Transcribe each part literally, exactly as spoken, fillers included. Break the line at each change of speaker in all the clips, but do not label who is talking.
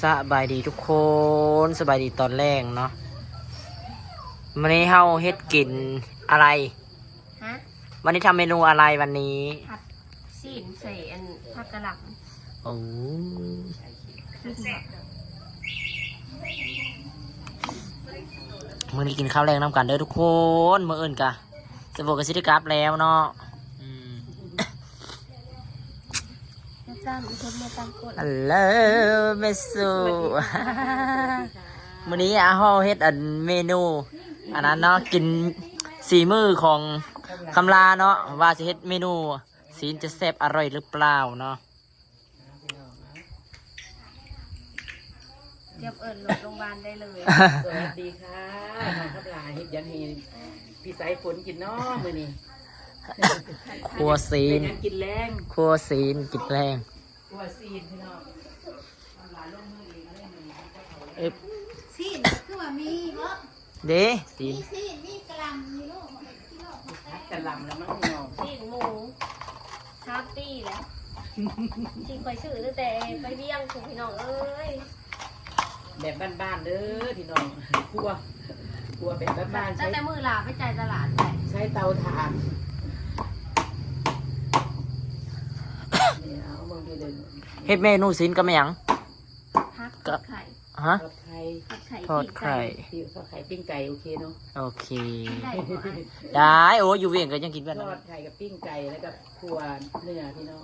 สบายดีทุกคนสบายดีตอนแรกเนาะวันนี้เฮาเฮ็ดกินอะไร
ฮะ
วันนี้ทำเมนูอะไรวันนี้
ผัดซีนใส่อันผักกะหล่
ำโอ้มื้อนี้กินข้าวแรงน้ำกันเด้อทุกคนมื้ออื่นกะสะบกกะสิได้กลับแล้วเนาะ
ตามอีกคนมาตามกด
ฮัลโหลเมสูมื้อนี้อาเฮาเฮ็ดอันเมนูอันนั้นเนาะกินสีมือของคำลาเนาะว่าจะเฮ็ดเมนูสีนจะแซ่บอร่อยหรือเปล่าเนาะ
เตรียมเอิญลงโรงพยาบาลได้เลย
สวัสดีค่ะน้องคำลาเฮ็ดยังให้พี่สายฝนกินเนาะมื้อนี้
ครัวซีน
กินแรง
ครัวซีนกินแรง
ครัวซีนพี่น้อง
เอ๊ะ
ซีนคือว่ามีบ่
เด้ซีน
ซีนมีกะหล่ำมีลูก
กะหล่ำแล้วมั้งพี่น้อง
ซีนหมูชาปีแหละที่คอยซื้อตั้งแต่ไปเบี้ยงคุณพี่น้องเอ้ย
แบบบ้านๆเด้อพี่น้องครัวครัวแบบบ้านๆ
ตั้
ใช้
งแต่มือลาไปจ่ายตลาดไป
ใช้เตาถ่าน
เฮ็ดเมนูซีนก็ไม่หยัง
พักไข่
ฮะ
ทอดไข่
ทอดไข่
ทอดไข่ปิ้งไก่โอเคเนาะ
โอเคได้โอ้อยู่เวียงก็ยังกินแบบ
นั้นทอดไข่กับปิ้งไก่แล้วกับครัวเนื้อพี่น้อง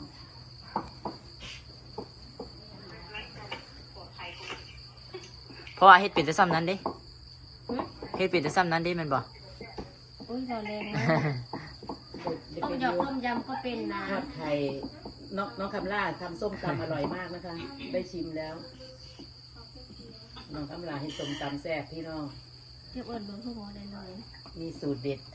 เพราะว่าเฮ็ดเป็นแต่ซ้ำนั้นเด้เฮ็ดเป็นแต่ซ้ำนั้นเด้มันบ่
อุ้ยเราแรงนะต้มยำต้มยำก็เป็นนะ
ทอดไข่น้องน้องคำล่าทำส้มตำอร่อยมากนะคะได้ชิมแล้วน้องคำล่าให้ส้มตำแซ่บพี่น้อง
เทียบเอิญเบอร์พวกเราได้เลย
มีสูตรเด็ด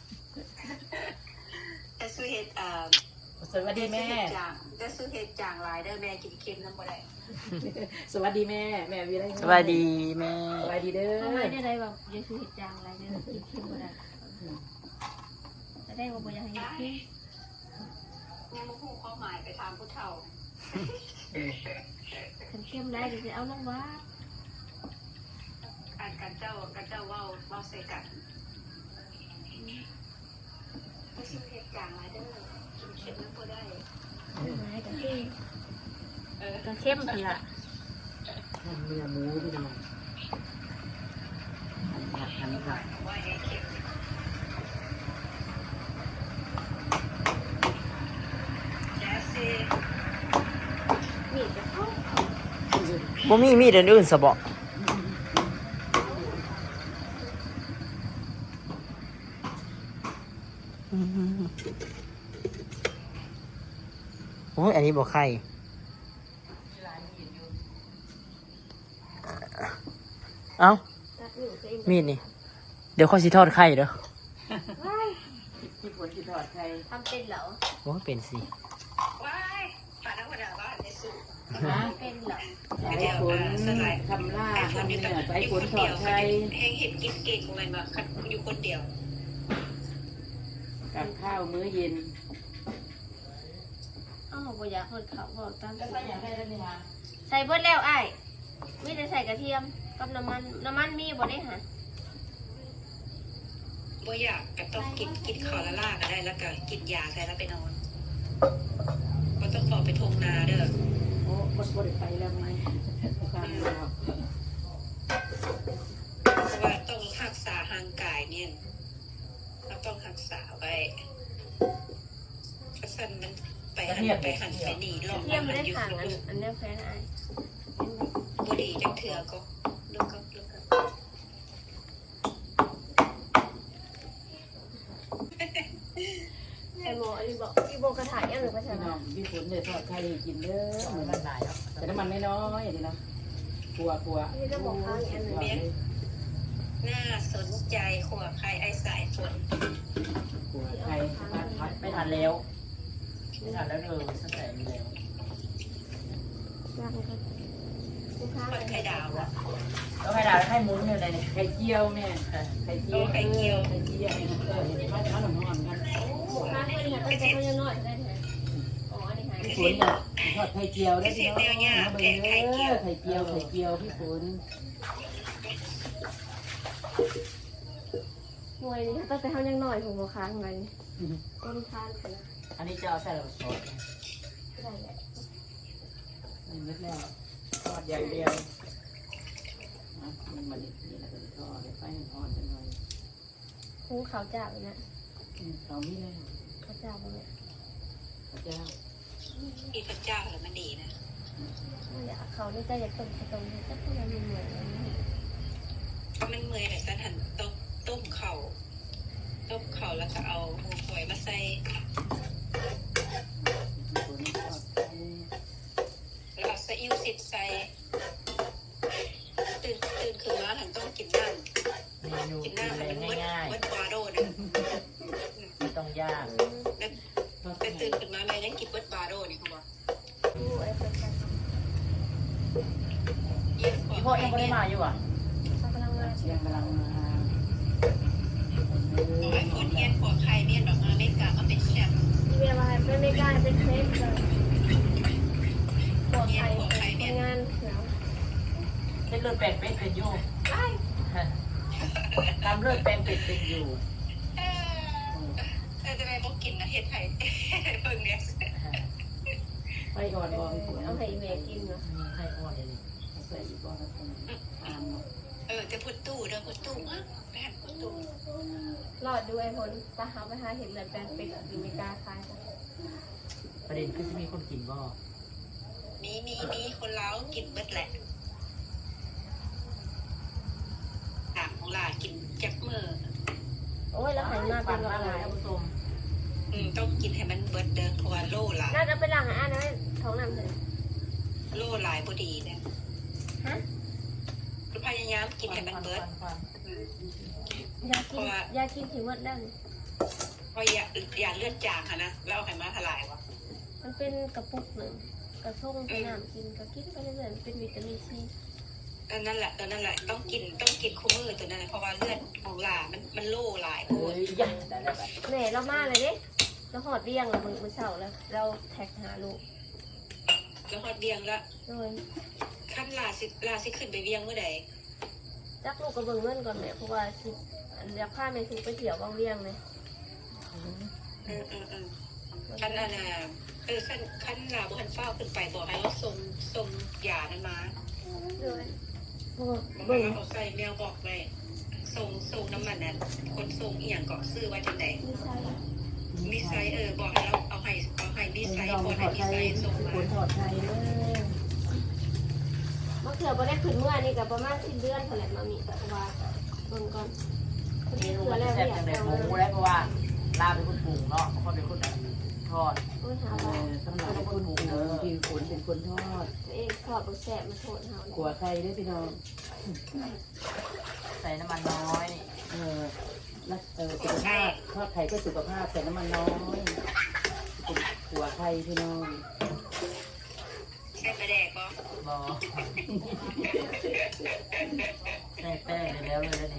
จะซื้อเห็ดอ่า
สวัสดีแม่
จะซื้อเห็ดจางลายได้แม่กินเค็มน้ำบ่ได้
สวัสดีแม่แม่วีไร
สวัสดีแม่
สวัสดีเด้อ
ทำไมได้ไรแบบจะซื้อเห็ดจางลายได้กินเค็มบ่ได้จะได้ว่าบ่อยากให้กิน
ยังมาพูดความหมายไปทางผู้เฒ่า
ขันเข้มได้เดี๋ยวจะเอาลงว่า
การกันเจ้ากันเจ้าว่าว่าใส่กันไม่ซื้อเห็ดจางลายได้กินเค็มน้ำบ่ได้
ไม่กันที่เออกันเข้มกันละ
เนื้อหมูพี่น้องหัดหันค่ะ
ว่าเห็ดเค็ม
บ่มีมีดอันอื่นซะบ่โอ้ยอันนี้บ่ไข่เอ้ามีดนี่เดี๋ยวข้อยสิทอดไข่เด้อ
ที่ฝนที่ทอดไข่
ทำเป็นเหรอ
โอ้เป็นสิ
ว้ายป่าน้ำมันบ้านในสุด
เป็นเหรอ
สายฝนทำล่าทำเนื้อสายฝนทอดไข่
แห้งเห็ดกินเก่งเลยมาอยู่คนเดียว
กับข้าวมื้อเย็น
อ้าวบ่อยากเปิดเขาบอกตามใส่ใส่เบิดแล้วไอ้ไม่ได้ใส่กระเทียมกับน้ำมันน้ำมันมีบ่ได้หะ
บ่อยากก็ต้องกินกินข้าวละล่าก็ได้แล้วก็กินยาใส่แล้วไปนอนก็ต้องขอไปทงนาเด้อ
โอ้บดบดไปแล้วไงความยาว
เพราะว่าต้องรักษาห่างกายเนี่ยเราต้องรักษาไว้กระสันมันไปหันไปหันไปหนีหลอก
เทียมไม่ได้ขังอันอันนี้แฟนไอ้
บุหรี่จังเถื่อก็ลูกก็ลูกก็
ไอ้หมออีบอกอีโบกระถ่ายยังหรือภาษา
น้องพี่ฝนเลยทอดไข่กินเด้อเหมือนมันหลายแต่น้ำมันไม่น้อยนี่นะกลัวกลัว
นี่ก็บอกข้างอันนึง
น่าสนใจขวบใครไอ้สายฝน
กลัวไข่
ไม่ทันแล้วไม่ทันแล้วเออตั้งแต่มีแล้ว
คนไข่ดาวอะ
แล้วไข่ดาวให้มุ้งอยู่ใน
ไข่เจียวแม่ไข่เจียว
ไข่เจียว
ไข่เจียวเออเห็นไหมเขาหนุ่มๆกัน
ข้างเป็นเนี่ยตั้งแต่เขายังน้อยได้ไหมอ๋ออันนี้หาย
ฝนเนี่ยทอดไข่เจียวได้พี่น้องมาเบิ่งเด้อไข่เจียวไข่เจียวพี่ฝน
หน่วยนี้ตั้งแต่เฮายังน้อยผมบ่ค้างไว้ต้นทานกันนะ
อันนี้จะเอาใส่ซอส
ได้แหละ
นี่เม็ดแล้วทอดอย่างเดียวนะมันมาดิบนี่แล้วก็ทอดไฟอ่อนๆจังหน่อย
คูเขาเจ้าเนี่ย
เอามีแล้ว
เขาเจ้าบ่เนี่ย
พระเจ้า
อีพระเจ้าแล้วมันดีนะ
มันอยากเขานี่จะอยากต้มต้มจะพูดอะไรเหมือนกัน
เพราะมันเมื่อยแต่สันหันต้มต้มเข่าต้มเข่าแล้วก็เอาหัวหวยมาใส่
ฝนทอดไข่
แล้วเอาซีอิ๊วสิดใส่ตื่นตื่นขึ้นมาถึงต้องกินน้ำ
เมนู
กิน
กิน
น้ำ
อะไร
มันเบิด
ง่าย
เบิดบาโดนะ
ๆไม่ต้องยาก
แล้วแต่ตื่นขึ้นมาแม่ยังกินเบิดบาโดนี่เขาบอก
ดูไอ้คนกัน
เยี่ยมก
พี่
ว่า
พ่อยังไม่ได้มาอยู่อ่ะ
เขากำลังมา
เชียงกำลังมา
โอ้ยคนเยี่ยมกว่าใครเนี่ยดอกมาไม่กล้ามาเป็นแชมป์
เวลาไม่ไม่กล้าเป็นเทปเลยปวดไข่ทำงานเขียว
เป็นเลือดแปลงเป็นเป็นอยู่ตามเลือดแปลงเป็นเป็นอยู่
เออเออจะไปบอกกินนะเฮ็ดไทยเพิ่งเนี่ย
ไฟอ่อนบ่พี่ฝน
เอาให้แม่กินเนาะ
มีไข่อ่อนเลยนี่
ใส่อีกบ่ครับผมตามเนาะ
เออจะพุดตู้เด้อพุดตู้อ่ะไปหันพุดตู้
รอดดูไอ้ผลตาหาไปหาเห็นเลยแปลงเป็ดหรือไม่กล้าคายกัน
ประเด็นคือจะมีคนกินบ่
มีมีมีคนเล้ากินเบิดแหละต่างของหลากินแจ็บมือ
โอ้ยแล้วหันมาเป็น
มาก
อะไร
เลยท่านผู้ชม
อืมต้องกินให้มันเบิดเดินเพราะว่าโล่หลาย
น่าจะเป็นหลังอ่ะนะท้องน้ำเลย
โล่หลายพอดีเนี่ย
ฮะ
พยายามกินให้มันเบิดอืม
ยากินยากินถึงวัดดัง
เพราะอย่าอย่าเลือดจางค่ะนะแล้วไขมันทลายวะ
มันเป็นกระปุกหนึ่งกระส่งไปน้ำกินก็กินไปเรื่อยๆเป็นวิตามินซี
ตอนนั้นแหละตอนนั้นแหละต้องกินต้องกินคู่มือตัวนั้นแหละเพราะว่าเลือดของหลามันมันโล่หลายโค
เอ้
ตร
ยยันได้แล้วแบบ
แม่เรามาเลยเด้เราหอดเรียงเรามือมือเสาแล้ว เราแท็กหาลูก
แล้วฮอดเบียงแล้ว
โดย
ขั้นลาสิลาสิขึ้นไปเบียงเมื่อใด
จักลูกกระเบื้องเงินก่อนแม่เพราะว่าสิอยากพาแม่ซื้อไปเที่ยวบางเรียงเลย
อืมอืมอืมขั้นอันน่ะเออขั้นขั้นลาบุหันเฝ้าขึ้นไปบอกให้เราส่งส่งยานั้นมา
โดย
บอก
เบิ่ง
ว่าเขาใส่แมวบอกไว้ส่งส่งน้ำมันนั้นคนส่งอีหยังเกาะซื้อไว้จังไหน
มีไซ
มีไซส์เออบอกให้เราเอาให้เอาให้มีไซส์
ต้อง
คน
ท
ให้
อด
มี
ไข่
ไซส์ส่ง
พี่
มา
ฝนทอดไข่เด้อ
มะเขือบ่ได้ขึ้นเมื่อนี่กับประมาณสิ้นเดือนเท่าไหร่มามีแต่ว่าเบิ่งก่อนคน
เม
ที่
นู
เขือ
มัน
แล้ว
แซ่บ
อยา
จั
ก
งเลย
เอา
หมู
เลย
แล้วเพราะว่าลาเป็นคนปรุงเนาะคนเป็นคนทอด
โอ้ยหา
เอ
ว่า
อสำหรับคนปลูกพี่ฝนเป็นคนทอด
ตัวเองทอดบ่แซ่บมาโทษเฮา
ขัวไข่เด้อพี่น้อง
ใส่น้ำมันน้อย
เออแล้วเออสุขภาพทอดไข่ก็สุขภาพใส่น้ำมันน้อยขัวไข่พี่น้อง
ใช่ประแดกปะ
บอใส่แป้งเลยแล้วเลยแล้วนี่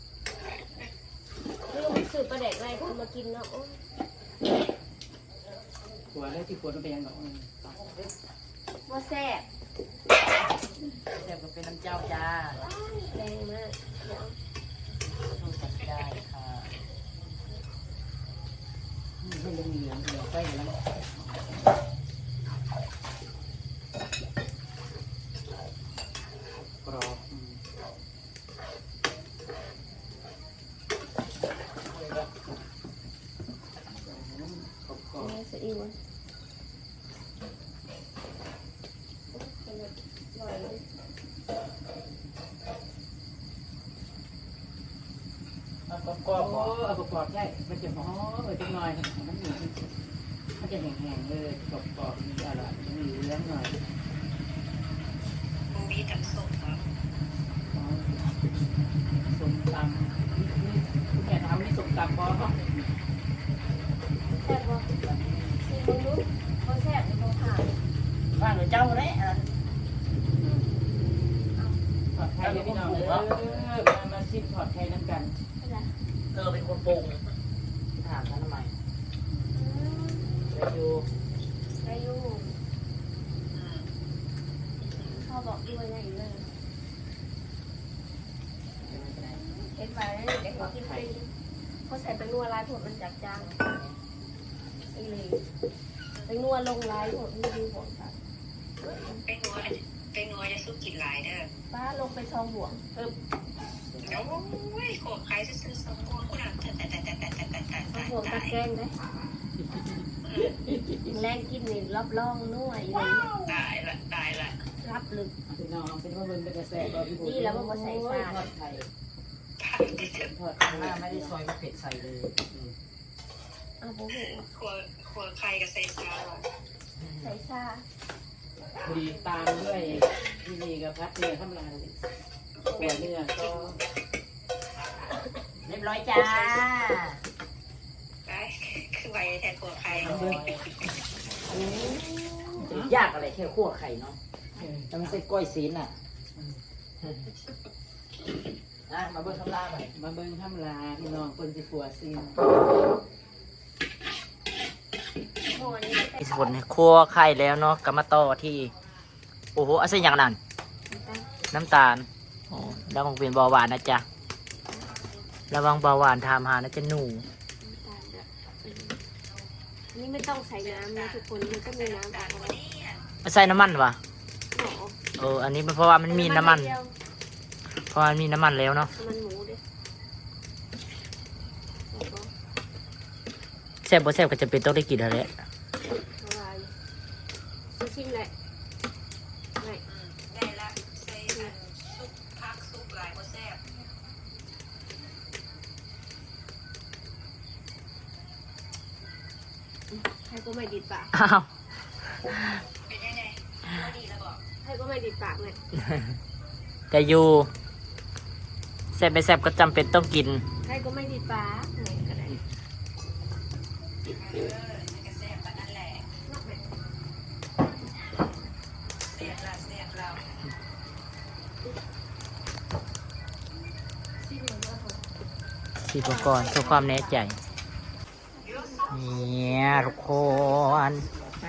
ลืมซื้อปลาแดกไรคนมากินเนาะโอ้ย
ขัวได้ที่ฝนมันเป็นยังไง
บ่แซ่บ
แซ่บก็เป็นน้ำเจ้าจ้า
แรงมากเดี๋ยว
สูตรจัดได้ค่ะ
ให้เหลืองเหลืองเหลืองไฟแล้วกรอบกรอบ
แม่สะอิ่มอร่อยเลย
มันก็
กรอบเอากรอบใช่มันจะหอมเออจังหน่อยมันมีมันจะแห้งๆเลยกรอบกรอบมีอร่อยมีเหลืองหน่อย
มูมีทั้งส่งมา
ส้มตำนี่นี่คุณแม่ทำนี่ส้มตำพอ
แซ่บบ่นี่มึงดูบ่แซ่บบ่ผ่าน
บ้านหรือเจ้าเลยอ่ะ
ถอดไข่เลยพี่น้องเออมามาชิมถอดไข่น้ำกัน
อะไร
เธอเป็นคนปรุงถามฉันทำไมไปดู
อายุด้วยได้อีกเลยเห็นไปเด็กเขากินฟรีเขาใส่ไปนัวลายผดมันจัดจางไอ้เลยไปนัวลงลายผดมันดูห่วงค่ะ
ไปงัวไปงัวจะสู้กินหลายเด้อ
ป้าลงไปช่องห่วงเออ
แล้วโอ้ยโขกใครซื้อสองงัวกูหลังแต่แต่แต่แต่แต่แต่แต่แต่
ห่วงตะ
ตาย
แกรงได้แรงกินนี่รับรองนัวอยู่เลย
ตายละตายละ
รับลึก
พี่น้องเป็นว่าเบิ่งเป็นกระแสก็พี่บุญ
นี่แล้วมันบ่ใส่ซ่า
ทอดไข่
ตายดิเถอะ
ทอดไข่ไม่ได้ซอยมะเผ็ดใส่เลย
เอาโบโห
ขัวขัวใครกับใส่ซาว่ะ
ใส่ชา
พอดีตามด้วยที่นี่กับพัดเนื้อข้ามลาหัวเนื้อก็เรียบร้อยจ้า
ตายคือไวแทนขัวใคร
ยากอะไรแค่คั่วไข่เนาะแล้วมันใส่ก้อยซีนอ่ะนะมาเบิ่งคำลาไป
มาเบิ่งข้ามลาพี่น้องคนสิขัวซีน
โมอันนี้ไม่
ที่สุดเนี่ยคั่วไข่แล้วเนาะก็มาต่อที่โอ้โหอะไรอย่างนั้น
ใส่
น้ำตาลโอ้ระวังเป็นเบาหวานนะจ๊ะระวังเบาหวานทามหานะจ๊ะหนู
นี่ไม่ต้องใส่น้ำนะทุกคนมันก็มีน้ำออกมา
ไม่ใส่น้ำมันวะ
หอ
เอออันนี้เพราะว่ามันมีน้ำมัน เพราะว่ามันมีน้ำมันแล้วเนาะ
มันหมูดิ
แซ่บบ่แซ่บก็จะเป็นต้องได้กินอะไร
ละลายชิมเลยไม่
ได้ละใส่อันซุปพักซุปหลายก็แซ่บ
ให้ก็ไม่ดีดปาก
อ้าว
เป็นยังไงพอดีแล้วบอก
ให้ก็ไม่ดีดปากเลย
แต่อยู่แซ่บไม่แซ่บก็จำเป็นต้องกิน
ให้ก็ไม่ดีดปากไหนก็ได้
เออมันก็แซ่บปานนั่นแหละแซ่บละแซ่บเรา
ชิมเลยว่าเขา
สีอุปกรณ์เพื่อความแน่ใจเนี่ยทุกคน
ไป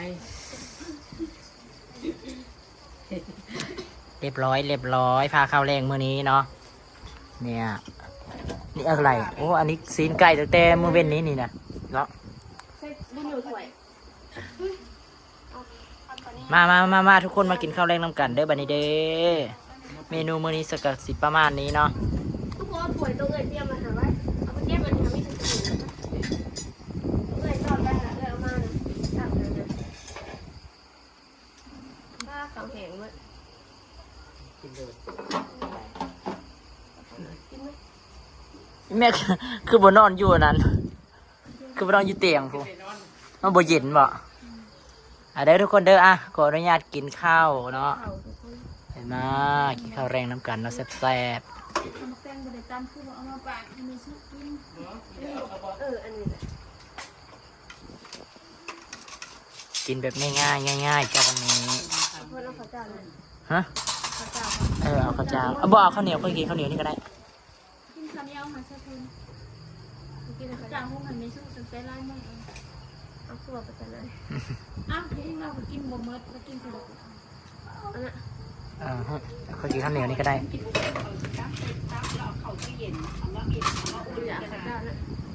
เรียบร้อยเรียบร้อยพาข้าวแรงมื้อนี้เนาะเนี่ยนี่อะไรโอ้อันนี้ซีนไก่ตั้งแต่มื้อเว้นนี้นี่นะเนาะ
ใส่บุญอยู่ถ้วย
มามามามาทุกคนมากินข้าวแรงน้ำกันเด้อบัดนี้เด้อเมนูมื้อนี้สกัดสิประมาณนี้เนาะ
ทุกคนถ้วยตัวเงินเตรียมมาหาไว้เอาไปเก็บมันทำให้ถึงถึงเงินจอดได้ละเงินเอามาสั่งเลยนะบ้าเขาแหงมั้ยกินไหม
แม่คือคือบนนอนอยู่อันนั้น คือบนนอนอยู่เตียงพูมันบ่เย็นบ่อ่ะเด้อทุกคนเด้ออ่ะขออนุญาตกินข้าวเนาะ
เขาทุกคน
เห็นมากินข้าวแรงน้ำกันเนาะแซ่บ
เอามาแป้งบริการคือเอามาปากให้มีซุปกินเอออันนี้แหละ
ๆกินแบบง่ายๆง่ายๆจ้าวันนี้
เพื่อนเอาข้าวเจ้าเลย
ฮะ
ข้าวเจ้า
เออเอาข้าวเจ้าเอาบ่เอาข้าวเหนียวก็กินข้าวเหนียวนี่ก็ได้
กินข้าวเหนียวมาสักคน
กินข้าว
จา
เจ้าก
ห้องหันไม่สู้จนไปไล่ไม่เอา
เอาขั่วไปกันเลย
อ้าวที่เราก็กินบ่เมิดแล้วกินผล
อันนั้น
เออฮะเขากินข้าวเหนียวนี่ก็ได้
กินอยากข้าวเจ้านะ